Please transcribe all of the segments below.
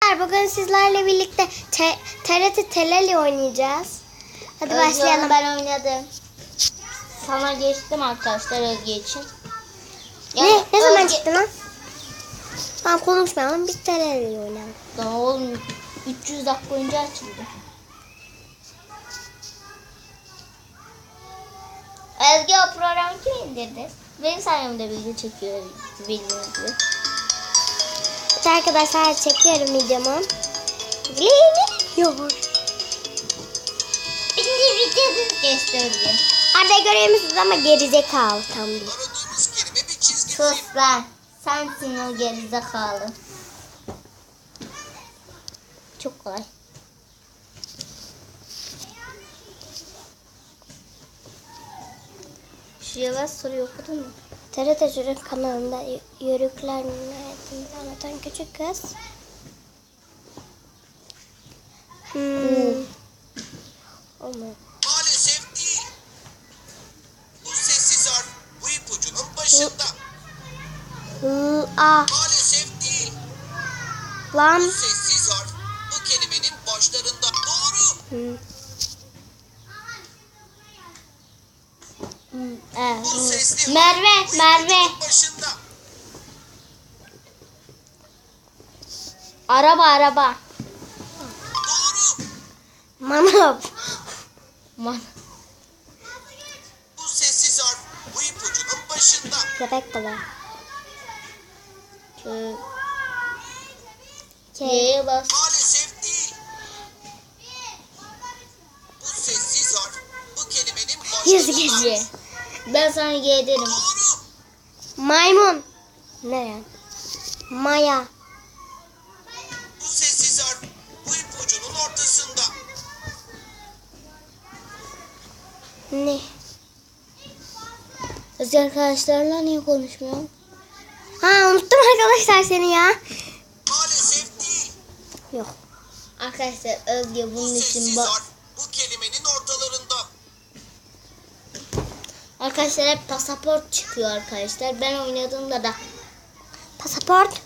Arkadaşlar bugün sizlerle birlikte TRT Teleli oynayacağız. Hadi başlayalım. Ben oynadım. Sana geçtim arkadaşlar Özge için. Yani ne zaman çıktı lan? Tamam konuşmayalım, biz Teleli oynayalım. Daha oğlum 300 dakika önce açıldı. Özge o programı kim indirdi? Benim sayemde video çekiyor bildiğiniz gibi. Evet arkadaşlar çekiyorum videomu. Yok. Şimdi videoyu gösterdi. Arda görüyorsunuz ama gerizekalı tam bir. Sus lan. Sensin o gerizekalı. Çok kolay. Şuraya bas soruyu okudun mu? TRT Çocuk kanalında yörüklerini anlatan küçük kız. Olmadı. Maalesef değil. Bu sessiz harf bu ipucunun başında. Maalesef değil. Lan. Bu sessiz harf bu kelimenin başlarında. Doğru. Bu sesli Merve, harf bu Merve. ipucunun başında. Araba. Doğru. Manav. Bu sessiz harf bu ipucunun başında. Köpek balığı. Y'ye bas. Maalesef değil. Bu sessiz harf bu kelimenin başlarında. Y. Ben sana Y derim. Doğru. Maymun. Ne yani? Maya. Bu sessiz harf bu ipucunun ortasında. Ne? Özge arkadaşlarla niye konuşmuyorsun? Ha unuttum arkadaşlar seni ya. Maalesef değil. Yok. Arkadaşlar Özge Bu bunun için sessiz harf bu kelimenin ortalarında. Arkadaşlar hep pasaport çıkıyor arkadaşlar. Ben oynadığımda da Pasaport.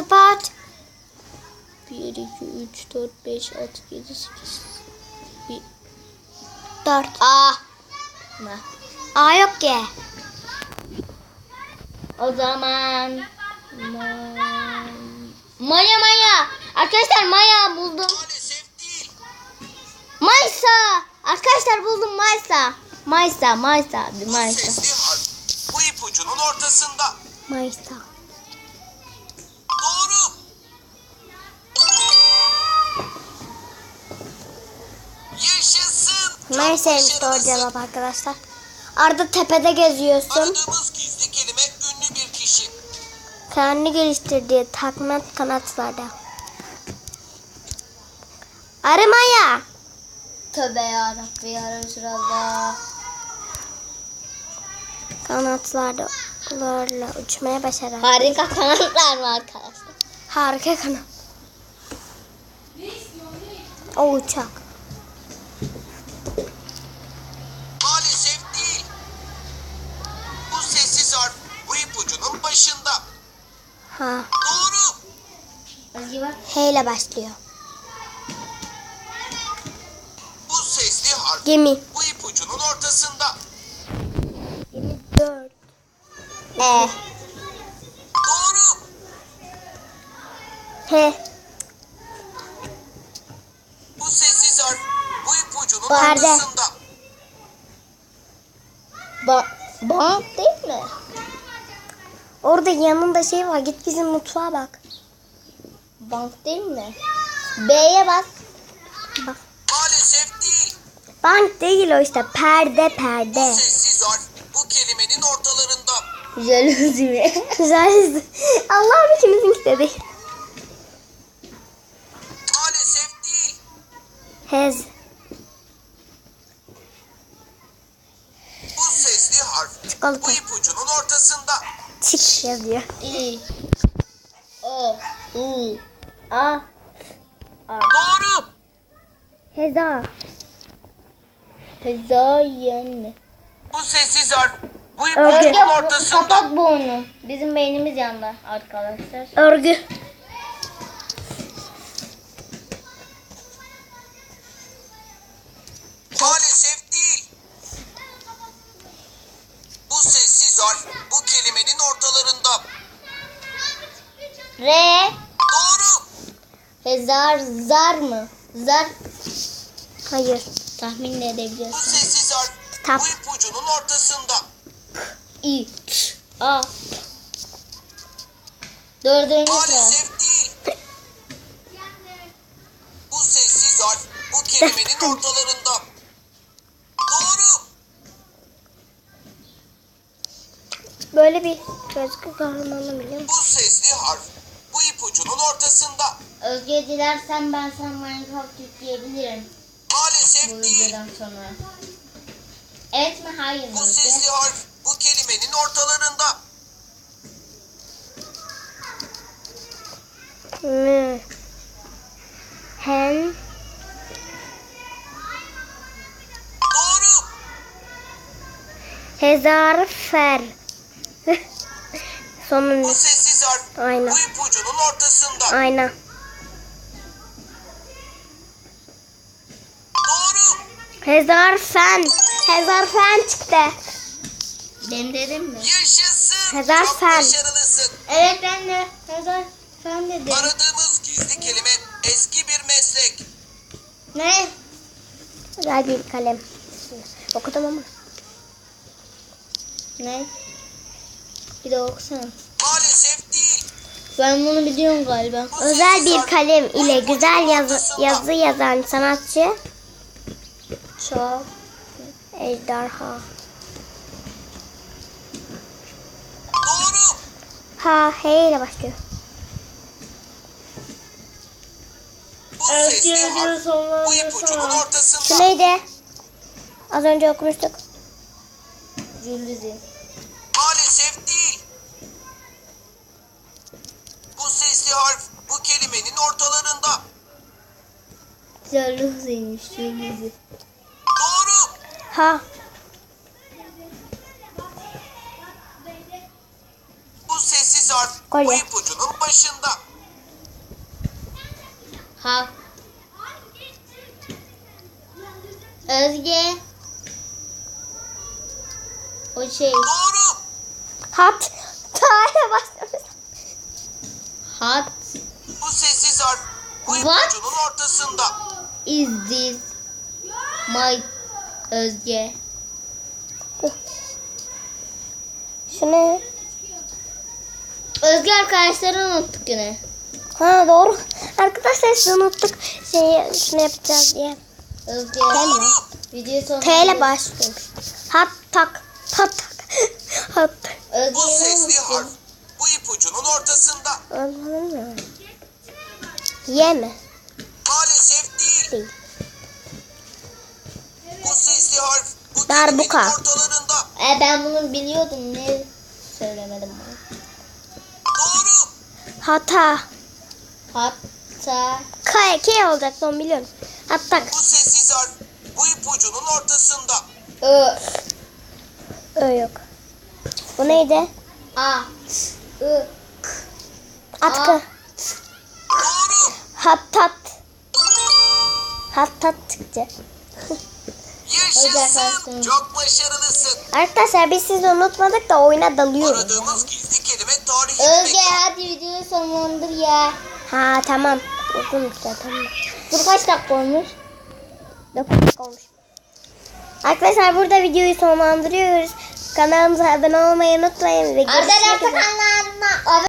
1, 2, 3, 4, 5, 6, 7, 8. 4. A. A yok ki. O zaman Maya. Arkadaşlar Maya buldum. Maalesef değil. Maysa. Arkadaşlar buldum Maysa. Maysa. Bir Bu Maysa. sesli harf bu ipucunun ortasında. Mayısta. Doğru. Yaşasın. Çok Mayıs'aymış doğru başarılısın. cevap arkadaşlar. Arda tepede geziyorsun. Aradığımız gizli kelime ünlü bir kişi. Kendini geliştirdiği takma kanatlarda. Arı Maya. Tövbe yarabbim ya Resulallah. Kanatlarla uçmaya başaran. Harika kanatlar var arkadaşlar. Harika kanat. O uçak. Maalesef değil. Bu sessiz harf bu ipucunun başında. Ha. Doğru. Özge bak. H ile başlıyor. Bu sesli harf Gemi. bu ipucunun ortasında. 4. Doğru. H. Bu sessiz harf bu ipucunun Perde. ortasında. Bank değil mi? Orada yanında şey var. Git bizim mutfağa bak. Bank değil mi? B'ye bas. Bak. Maalesef değil. Bank değil o işte. Perde. Bu sessiz harf bu kelimenin ortalarında. Jaluzi mi? Güzel. Allah'ım ikimizinki de değil. Maalesef değil. Hez. Bu sesli harf Çikolata. bu ipucunun ortasında. Çık yazıyor. İ. O. U. A. Doğru. Heza. Hezayen. Bu sessiz harf bu Özge. ipucunun ortasında. Kapat bu oyunu. Bizim beynimiz yandı arkadaşlar. Örgü. Zar mı? Zar Hayır. tahmin de Bu edebiliyorsun. sessiz harf Kitap. bu ipucunun ortasında. İ, ç, a. Dördüncü sıra. Maalesef değil. Bu sessiz harf bu kelimenin ortalarında. Doğru. Böyle bir gözlü kahramanı biliyor musun? Bu sesli harf bu ipucunun ortasında. Özge dilersen ben sana Minecraft yükleyebilirim bu Maalesef değil. videodan sonra. Evet mi? Hayır mı? Bu Özge? sesli harf bu kelimenin ortalarında. Mü. Hen. Doğru. Hezarfer. Sonun Bu sessiz harf Aynen. bu ipucunun ortasında. ayna. Doğru. Hezarfen. Hezarfen çıktı. Ben dedim mi? Yaşasın. Hezar Çok fen. başarılısın. Evet ben de. Hazır. Sen dedin. Aradığımız gizli kelime eski bir meslek. Ne? Güzel bir kalem. Okudum ama. Ne? Bir de okusana. Maalesef değil. Ben bunu biliyorum galiba. Bu Özel sessiz bir harf kalem bu ile ipucunun güzel ortasında. yazı yazan sanatçı Çok. Ejderha. Doğru. Ha, H ile başlıyor. Bu sesli harf bu ipucunun Şu ortasında. neydi? Az önce okumuştuk. Cüldüzü. Maalesef değil. Bu sesli harf bu kelimenin ortalarında. Cüldüzüymüş. Cüldüzü. Doğru. Ha, Bu sessiz harf bu Kolye. ipucunun başında. Ha. Özge. O şey. Doğru. hat. Ta ile başlıyor. Hat. Bu sessiz harf bu What? ipucunun ortasında. Is this my Özge? Şu ne? Özge arkadaşları unuttuk yine. Ha, doğru. Arkadaşlar şunu unuttuk. Şunu yapacağız diye. Özge. Doğru. Video sonu. T ile başlıyor. Hat tak. Hat tak. Hat tak. Bu Özge'yi sesli harf unuttum. bu ipucunun ortasında. Anladın mı? Y mi? Maalesef değil. Değil. Bu sesli harf bu Darbuka. kelimenin ortalarında. Ben bunu biliyordum. Ne söylemedim bana. Doğru. Hata. Hatta. K olacak onu biliyorum. Hat tak. Bu sessiz harf bu ipucunun ortasında. Ö. Ö yok. Bu neydi? A. Ö. Atkı. Doğru. Hattat. Hattat çıktı. Yaşasın. arkadaşlar. Çok başarılısın. Arkadaşlar biz sizi unutmadık da oyuna dalıyoruz. Aradığımız gizli kelime tarihi Özge bir mekan. hadi videoyu sonlandır ya. Ha, tamam. Uzun işte, tamam. Dur kaç dakika olmuş? 9 dakika olmuş. Arkadaşlar burada videoyu sonlandırıyoruz. Kanalımıza abone olmayı unutmayın. Ve görüşmek Arkadaşlar üzere. kanalına abone